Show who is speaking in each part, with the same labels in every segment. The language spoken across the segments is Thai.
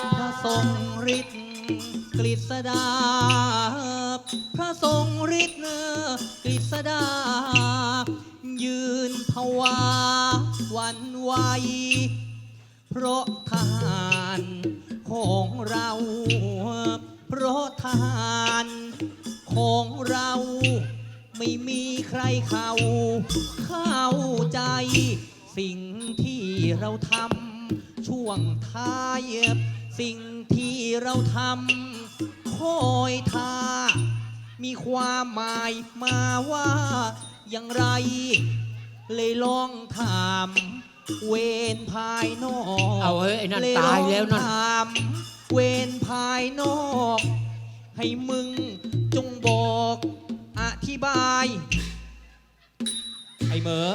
Speaker 1: พระทรงฤทธิ์กฤษดาพระทรงฤทธิ์กฤษดายืนภาวาหวันไหวเพราะทหารของเราเพราะทหารของเราไม่มีใครเข้าใจสิ่งที่เราทำช่วงท้ายสิ่งที่เราทำคอยท่ามีความหมายมาว่าอย่างไรเลยลองถามเวรภายนอก
Speaker 2: เอาเฮ้ยไอ้นั่นตายแล้วนั่น
Speaker 1: ถามเวรภายนอกให้มึงจงบอกอธิบายไอ้เหมอ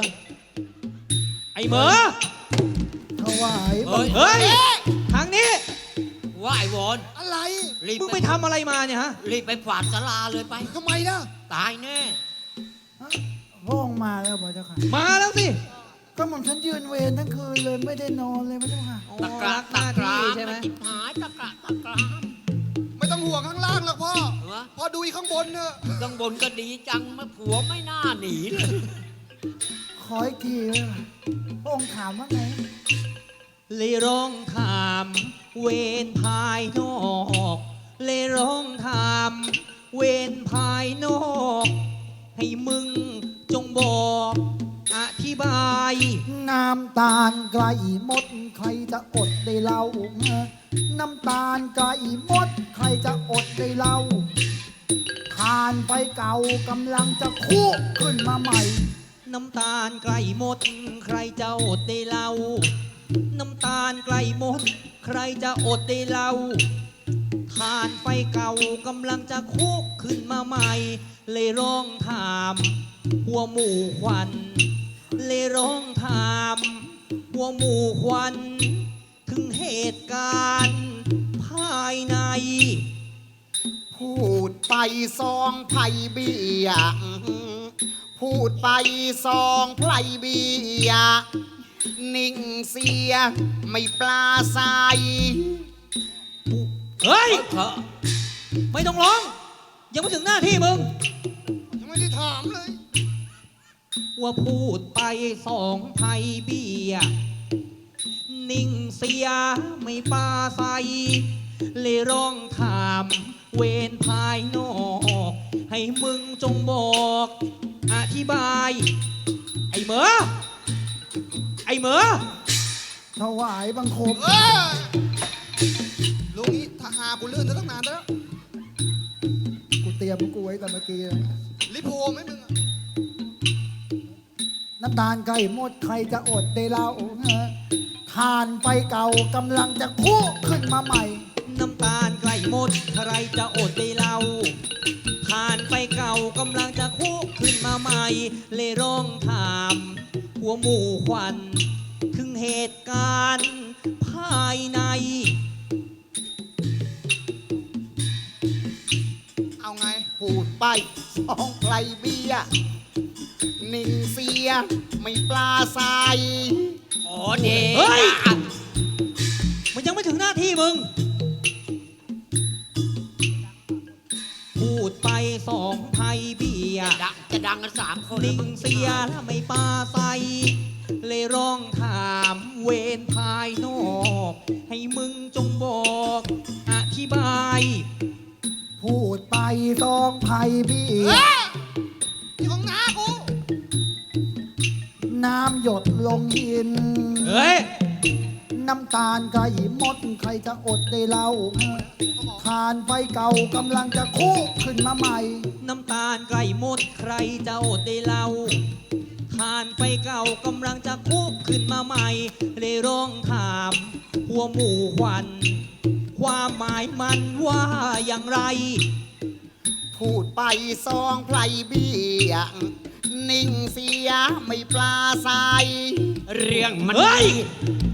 Speaker 3: ถวายบัง
Speaker 1: เฮ้ยทางนี้
Speaker 2: ว่าไอ้วอน
Speaker 3: อะไร
Speaker 2: รีบ
Speaker 1: มึงไปทำอะไรมาเนี่ยฮะ
Speaker 2: รีบไปฝาดศาลาเลยไป
Speaker 3: ทำไมล่ะ
Speaker 2: ตายแน่
Speaker 3: พระองค์มาแล้วพระเจ้าค่ะ
Speaker 1: มาแล้วสิ
Speaker 3: ก็หม่อมฉันยืนเวรทั้งคืนเลยไม่ได้นอนเลยพระเจ้าค่ะ
Speaker 2: ตะกระ
Speaker 1: ห
Speaker 2: ตะ
Speaker 1: น้าก
Speaker 2: ระ
Speaker 1: ที่ใช่ไหม
Speaker 2: จิบหายตะกระตะกระ
Speaker 4: ไม่ต้องห่วงข้างล่างหรอกพ่อ
Speaker 2: เหรอ
Speaker 4: พอดูอีกข้างบนเนอะ
Speaker 2: ข้างบนก็ดีจังมาผัวไม่น่าหนีเลย
Speaker 3: ขออีกทีเลยค่ะพระองค์ถามว่าไง
Speaker 1: เลยร้องถามเวรภายนอกเลยร้องถามเวรภายนอกให้มึงจงบอกอธิบาย
Speaker 3: น้ำตาลไกลมดใครจะอดได้เล่าน้ำตาลไกลมดใครจะอดได้เล่าทานไปเก่ากำลังจะคุกขึ้นมาใหม่
Speaker 1: น้ำตาลใกล้หมดใครจะอดได้เล่าน้ำตาลใกล้หมดใครจะอดได้เล่าทานไฟเก่ากำลังจะคุกขึ้นมาใหม่ เลยร้องถามหัวหมู่ควันเลยร้องถามหัวหมู่ควันถึงเหตุการณ์ภายใน
Speaker 4: พูดไปซองไผ่เบียพูดไปซองไผ่เบียนิ่งเสียไม่ปลาใส
Speaker 1: เฮ้ย
Speaker 2: เถอะ
Speaker 1: ไม่ต้องร้อง ยังไม่ถึงหน้าที่มึง
Speaker 4: ยังไม่ได้ถามเลย
Speaker 1: ว่าพูดไปสองไพ่เบียนิ่งเสียไม่ปาใสเลยร้องถามเวรภายนอกให้มึงจงบอกอธิบาย ไอ้เหมอ
Speaker 3: ถวายบังคม
Speaker 4: เออลุงนี้ทหารกูลื่นตั้งนานแล้ว
Speaker 3: กูเตรียมกูไว้แต่เมื่อกี้แล้ว
Speaker 4: ลิโพไหมมึงอะ
Speaker 3: น้ำตาลไก่หมดใครจะอดได้เล่าทานไปเก่ากำลังจะคุกขึ้นมาใหม่
Speaker 1: น้ำตาลใกล้หมดใครจะอดได้เล่าทานไปเก่ากำลังจะคุกขึ้นมาใหม่ เลยร้องถามหัวหมู่ควันถึงเหตุการณ์ภายใน
Speaker 4: เอาไง
Speaker 3: พูดไปสองไพรเบียนิ่งเสียไม่ปลาใส
Speaker 2: อ๋อเด็
Speaker 1: เฮ้ย
Speaker 2: ก
Speaker 1: มันยังไม่ถึงหน้าที่มึง พูดไปสองไพ่เบีย
Speaker 2: จะดังกันสามคน
Speaker 1: นิ่งเสียแล้วไม่ปาใสเลยร้องถามเวรภายนอกให้มึงจงบอกอธิบาย
Speaker 3: พูดไปสองไพรเบี
Speaker 4: เอย อที่ของน้ากู
Speaker 3: น้ำหยดลงหิน
Speaker 1: เฮ้ย
Speaker 3: น้ำตาลไก่มดใครจะอดได้เล่าทานไฟเก่ากำลังจะคุกขึ้นมาใหม่
Speaker 1: น้ำตาลใกล้หมดใครจะอดได้เล่าทานไปเก่ากำลังจะคุกขึ้นมาใหม่ เลยร้องถามหัวหมู่ควัน ความหมายมันว่าอย่างไร
Speaker 4: พูดไปซองไพรเบียนิ่งเสียไม่ปลาใส
Speaker 2: เรื่องมัน
Speaker 1: เฮ้ย
Speaker 2: ดี